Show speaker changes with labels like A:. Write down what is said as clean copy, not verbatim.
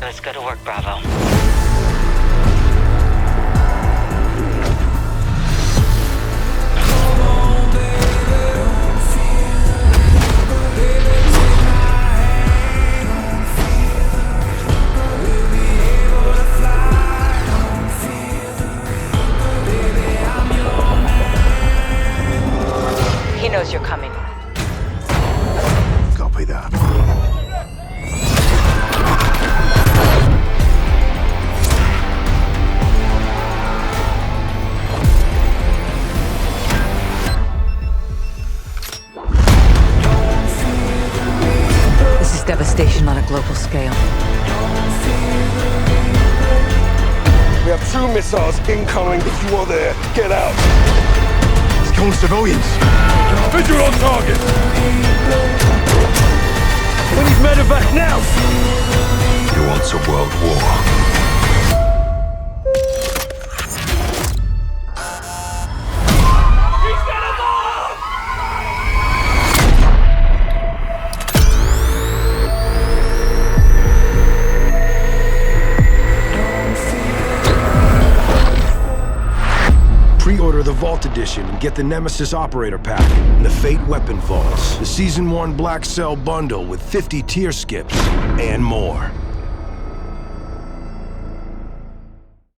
A: Let's go to work, Bravo. He knows you're coming.
B: Copy that.
C: This is devastation on a global scale.
B: We have 2 missiles incoming. If you are there, get out. It's killing civilians. Visual on target. We need medevac now. He wants a world war. Pre-order the Vault Edition and get the Nemesis Operator Pack and the Fate Weapon Vaults, the Season 1 Black Cell Bundle with 50 tier skips, and more.